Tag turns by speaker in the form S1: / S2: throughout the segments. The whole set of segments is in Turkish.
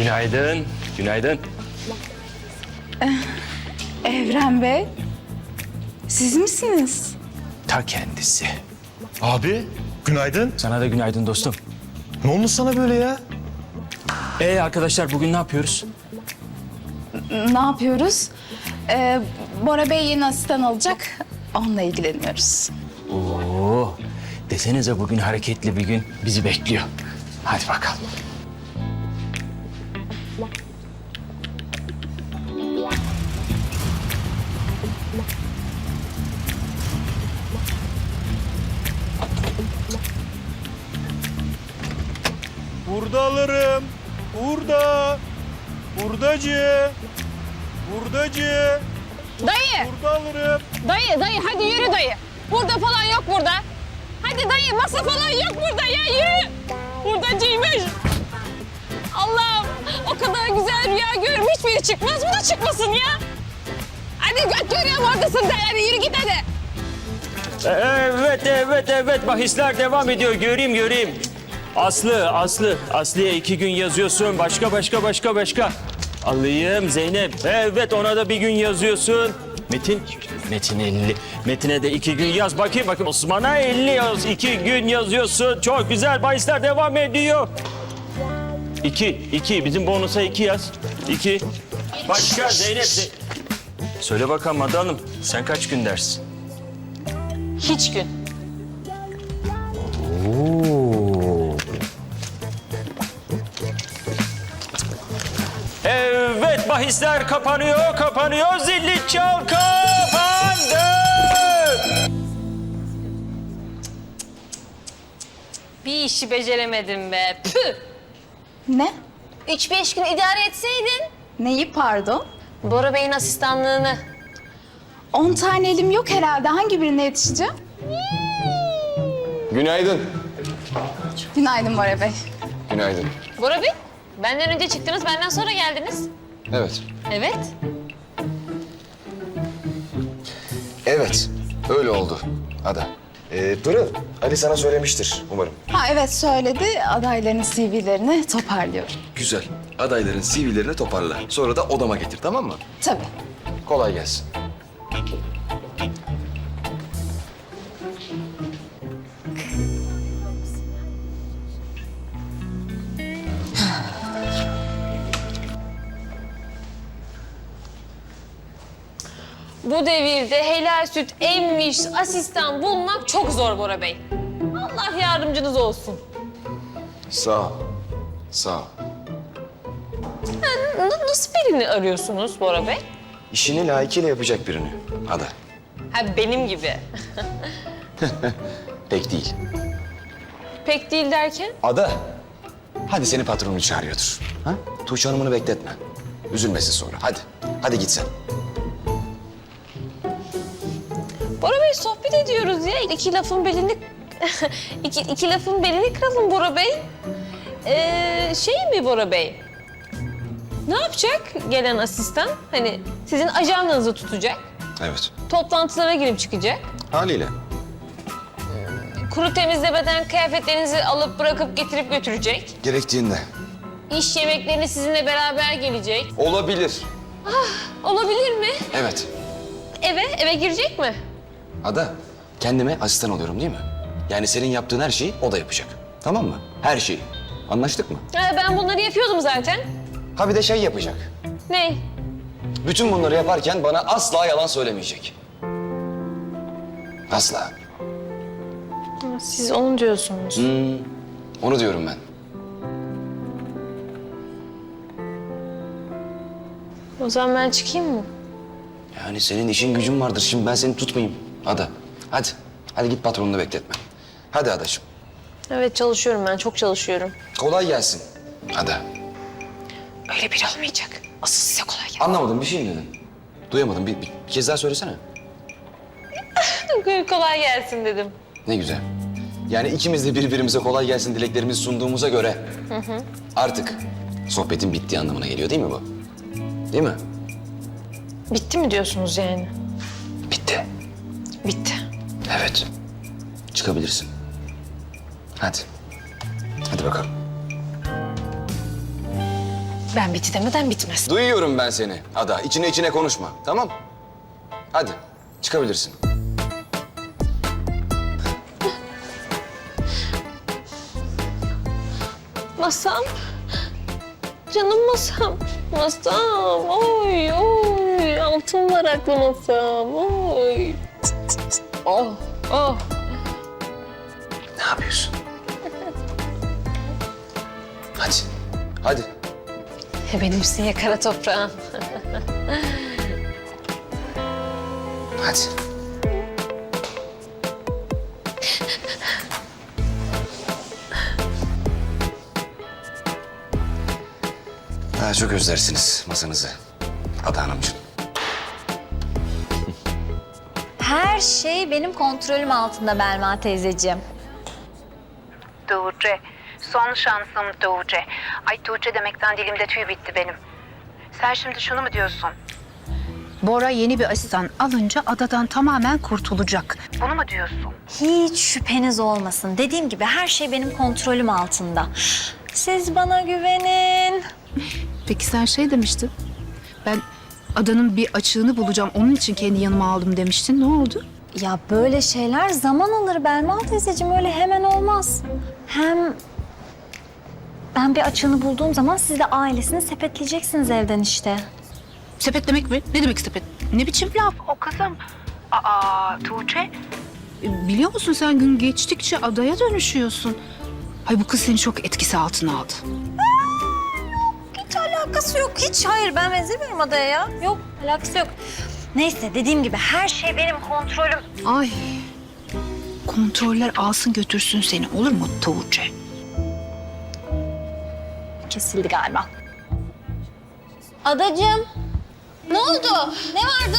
S1: Günaydın, günaydın.
S2: Evren Bey, siz misiniz?
S1: Ta kendisi.
S3: Abi, günaydın.
S1: Sana da günaydın dostum.
S3: Ne olmuş sana böyle ya?
S1: Arkadaşlar bugün ne yapıyoruz?
S2: Ne yapıyoruz? Bora Bey yeni asistan alacak. Onunla ilgileniyoruz.
S1: Oo, desenize bugün hareketli bir gün bizi bekliyor. Hadi bakalım.
S4: Burada alırım. Burada. Buradacı. Buradacı.
S5: Dayı,
S4: Burada alırım.
S5: dayı hadi yürü dayı. Burada falan yok burada. Hadi dayı masa falan yok burada ya yürü. Buradacıymış. Allah'ım o kadar güzel rüya görürüm hiçbiri çıkmaz bu da çıkmasın ya. Hadi göt görüyorum oradasın de hadi yürü git hadi.
S1: Evet. Bahisler devam ediyor. Göreyim. Aslı'ya 2 gün yazıyorsun. Başka. Alayım Zeynep. Evet, ona da bir gün yazıyorsun. Metin 50. Metin'e de 2 gün yaz. Bakayım. Osman'a 50 yaz. 2 gün yazıyorsun. Çok güzel. Bahisler devam ediyor. 2. Bizim bonusa 2 yaz. 2. Başka Zeynep. Söyle bakalım Ada Hanım. Sen kaç gün dersin?
S5: Hiç gün.
S1: Evet, bahisler kapanıyor. Zilli çal kapandı.
S5: Bir işi beceremedim be. Püh.
S2: Ne?
S5: 3-5 gün idare etseydin.
S2: Neyi pardon?
S5: Bora Bey'in asistanlığını.
S2: 10 tane elim yok herhalde. Hangi birine yetişeceğim?
S6: Günaydın.
S2: Günaydın Bora Bey.
S6: Günaydın.
S5: Bora Bey, benden önce çıktınız, benden sonra geldiniz.
S6: Evet.
S5: Evet.
S6: Evet. Öyle oldu Ada. Pırıl, Ali sana söylemiştir umarım.
S2: Ha evet söyledi. Adayların CV'lerini toparlıyorum.
S6: Güzel. Adayların CV'lerini toparla. Sonra da odama getir, tamam mı?
S2: Tabii.
S6: Kolay gelsin.
S5: Bu devirde helal süt emmiş asistan bulmak çok zor Bora Bey. Allah yardımcınız olsun.
S6: Sağ ol. Sağ ol.
S5: Nasıl birini arıyorsunuz Bora Bey?
S6: İşini layıkıyla yapacak birini Ada.
S5: Ha benim gibi.
S6: Pek değil.
S5: Pek değil derken?
S6: Ada, hadi seni patronun çağırıyordur. Ha? Tuğçe Hanım'ını bekletme. Üzülmesin sonra. Hadi git sen.
S5: Bora Bey sohbet ediyoruz ya. İki lafın belini... iki lafın belini kıralım Bora Bey. Şey mi Bora Bey? Ne yapacak gelen asistan? Hani sizin ajandanızı tutacak.
S6: Evet.
S5: Toplantılara girip çıkacak.
S6: Haliyle.
S5: Kuru temizlemeden kıyafetlerinizi alıp bırakıp getirip götürecek.
S6: Gerektiğinde.
S5: İş yemeklerine sizinle beraber gelecek.
S6: Olabilir.
S5: Olabilir mi?
S6: Evet.
S5: Eve girecek mi?
S6: Ada, kendime asistan oluyorum değil mi? Yani senin yaptığın her şeyi o da yapacak. Tamam mı? Her şeyi. Anlaştık mı?
S5: Ben bunları yapıyordum zaten.
S6: Ha bir de şey yapacak.
S5: Ne?
S6: Bütün bunları yaparken bana asla yalan söylemeyecek. Asla.
S5: Siz onu diyorsunuz.
S6: Onu diyorum ben.
S5: O zaman ben çıkayım mı?
S6: Yani senin işin gücün vardır. Şimdi ben seni tutmayayım Ada. Hadi. Hadi git patronunu bekletme. Hadi Adacığım.
S5: Evet çalışıyorum ben. Çok çalışıyorum.
S6: Kolay gelsin Ada.
S5: Öyle biri olmayacak. Asıl size kolay gelsin.
S6: Anlamadım, bir şey mi dedin? Duyamadım. Bir kez daha söylesene.
S5: Kolay gelsin dedim.
S6: Ne güzel. Yani ikimiz de birbirimize kolay gelsin dileklerimizi sunduğumuza göre... artık sohbetin bittiği anlamına geliyor değil mi bu? Değil mi?
S5: Bitti mi diyorsunuz yani?
S6: Bitti.
S5: Bitti.
S6: Evet. Çıkabilirsin. Hadi. Hadi bakalım.
S5: Ben bitti demeden bitmez.
S6: Duyuyorum ben seni Ada. İçine içine konuşma. Tamam? Hadi çıkabilirsin.
S5: Masam. Canım masam. Masam. Oy oy. Altın varaklı masam. Oy. Oh oh.
S6: Ne yapıyorsun? Hadi. Hadi.
S5: Benimsin ya kara toprağım.
S6: Hadi. Daha çok özlersiniz masanızı Ada Hanımcığım.
S7: Her şey benim kontrolüm altında Belma teyzeciğim.
S8: Tuğçe, son şansım Tuğçe. Ay Tuğçe demekten dilimde tüy bitti benim. Sen şimdi şunu mu diyorsun?
S2: Bora yeni bir asistan alınca adadan tamamen kurtulacak.
S8: Bunu mu diyorsun?
S7: Hiç şüpheniz olmasın. Dediğim gibi her şey benim kontrolüm altında. Siz bana güvenin.
S2: Peki sen şey demiştin. Ben adanın bir açığını bulacağım. Onun için kendi yanıma aldım demiştin. Ne oldu?
S7: Ya böyle şeyler zaman alır Belma teyzeciğim. Öyle hemen olmaz. Hem ben bir açığını bulduğum zaman siz de ailesini sepetleyeceksiniz evden işte.
S2: Sepetlemek mi? Ne demek sepet? Ne biçim laf?
S8: O kızım. Aa Tuğçe.
S2: Biliyor musun sen gün geçtikçe adaya dönüşüyorsun. Ay bu kız seni çok etkisi altına aldı.
S7: Hiç alakası yok. Hiç hayır ben benzemiyorum adaya ya. Yok alakası yok. Neyse dediğim gibi her şey benim kontrolüm.
S2: Ay. Kontroller alsın götürsün seni olur mu Tuğçe?
S7: Kesildi galiba. Adacığım. Ne oldu? Ne vardı?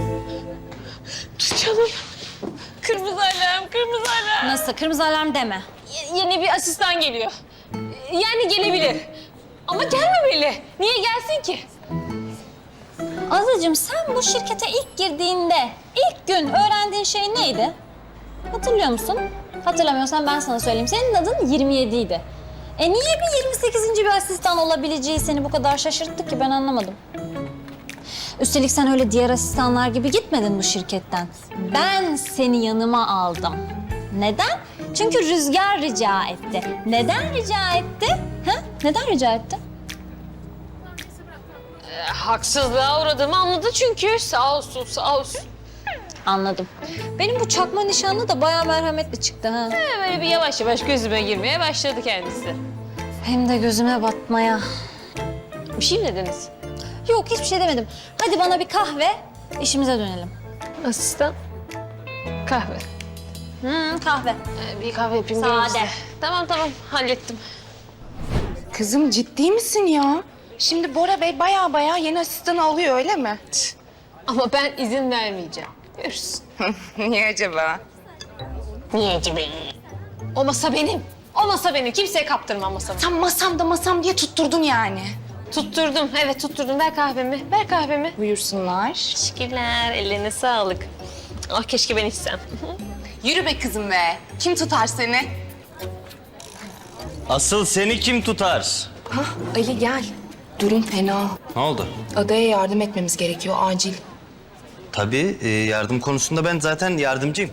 S5: Canım. Kırmızı alarm, kırmızı alarm.
S7: Nasıl? Kırmızı alarm deme.
S5: Yeni bir asistan geliyor. Yani gelebilir. Ama gelmemeli. Niye gelsin ki?
S7: Azacığım sen bu şirkete ilk girdiğinde ilk gün öğrendiğin şey neydi? Hatırlıyor musun? Hatırlamıyorsan ben sana söyleyeyim. Senin adın 27 idi. Niye bir 28. bir asistan olabileceği seni bu kadar şaşırttı ki ben anlamadım. Üstelik sen öyle diğer asistanlar gibi gitmedin bu şirketten. Ben seni yanıma aldım. Neden? Çünkü Rüzgar rica etti. Neden rica etti? Ha? Neden rica etti?
S5: Haksızlığa uğradığımı anladı çünkü. Sağ olsun, sağ olsun.
S7: Anladım. Benim bu çakma nişanlı da bayağı merhametli çıktı ha.
S5: Böyle bir yavaş yavaş gözüme girmeye başladı kendisi.
S7: Hem de gözüme batmaya.
S5: Bir şey mi dediniz?
S7: Yok hiçbir şey demedim. Hadi bana bir kahve, işimize dönelim.
S5: Asistan. Kahve.
S7: Kahve.
S5: Bir kahve yapayım.
S7: Sade.
S5: gelin size. Tamam tamam hallettim.
S9: Kızım ciddi misin ya? Şimdi Bora Bey baya yeni asistanı alıyor öyle mi?
S5: Ama ben izin vermeyeceğim. Görürsün.
S9: Niye acaba?
S5: Niye acaba? O masa benim. O masa benim. Kimseye kaptırmam masamı.
S9: Sen masam diye tutturdun yani.
S5: Tutturdum. Evet tutturdum. Ver kahvemi. Ver kahvemi.
S9: Buyursunlar.
S5: Teşekkürler. Ellerine sağlık. Ah keşke ben içsem.
S9: Yürü be kızım be. Kim tutar seni?
S10: Asıl seni kim tutar?
S9: Hah Ali gel. Durum fena.
S10: Ne oldu?
S9: Adaya yardım etmemiz gerekiyor acil.
S10: Tabii yardım konusunda ben zaten yardımcıyım.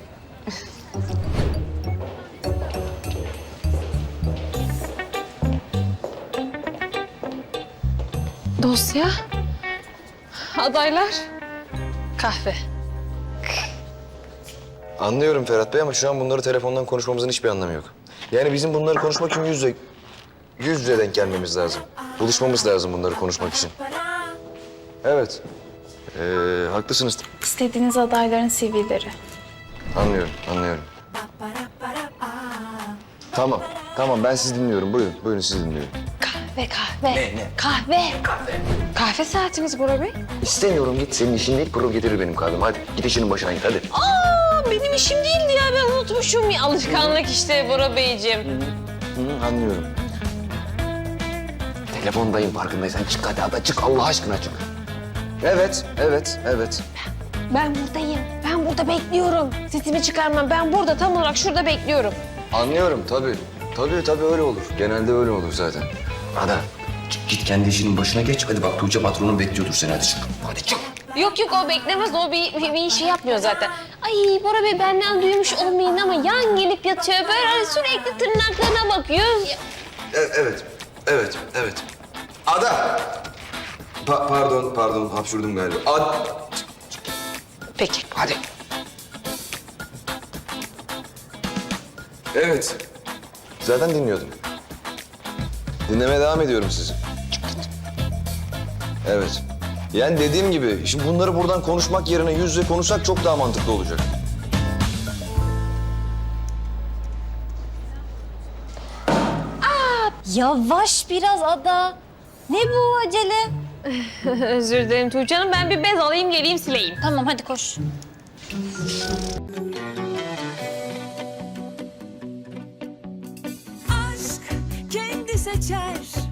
S5: Dosya. Adaylar. Kahve.
S6: Anlıyorum Ferhat Bey ama şu an bunları telefondan konuşmamızın hiçbir anlamı yok. Yani bizim bunları konuşmak için yüz yüze denk gelmemiz lazım. Buluşmamız lazım bunları konuşmak için. Evet. Haklısınız.
S2: İstediğiniz adayların CV'leri.
S6: Anlıyorum. Tamam ben sizi dinliyorum. Buyurun sizi dinliyorum.
S5: Kahve. Kahve. Kahve saatiniz Bora Bey.
S6: İstemiyorum git. Senin işin değil, kurum getirir benim kahvemi. Hadi git işinin başına git hadi.
S5: Benim işim değildi ya. Ben unutmuşum. Ya, alışkanlık işte Bora Beyciğim.
S6: Anlıyorum. Telefondayım farkındaysan. Çık hadi Ada çık Allah aşkına çık. Evet.
S5: Ben buradayım. Ben burada bekliyorum. Sesimi çıkarmam. Ben burada tam olarak şurada bekliyorum.
S6: Anlıyorum tabii. Tabii öyle olur. Genelde öyle olur zaten. Ada Git kendi işinin başına geç. Hadi bak Tuğçe patronun bekliyordur seni. Hadi çık. Hadi çık.
S5: Yok yok o beklemez. O bir şey yapmıyor zaten. Ay Bora Bey benden duymuş olmayın ama yan gelip yatıyor. Böyle hani sürekli tırnaklarına bakıyor.
S6: Evet. Ada! Pardon hapşurdum galiba.
S5: Peki.
S6: Hadi. Evet. Zaten dinliyordum. Dinlemeye devam ediyorum sizi. Evet. Yani dediğim gibi şimdi bunları buradan konuşmak yerine yüz yüze konuşsak çok daha mantıklı olacak.
S7: Yavaş biraz Ada. Ne bu acele?
S5: Özür dilerim Tuğçe Hanım. Ben bir bez alayım geleyim sileyim.
S7: Tamam hadi koş.
S11: Aşk kendi seçer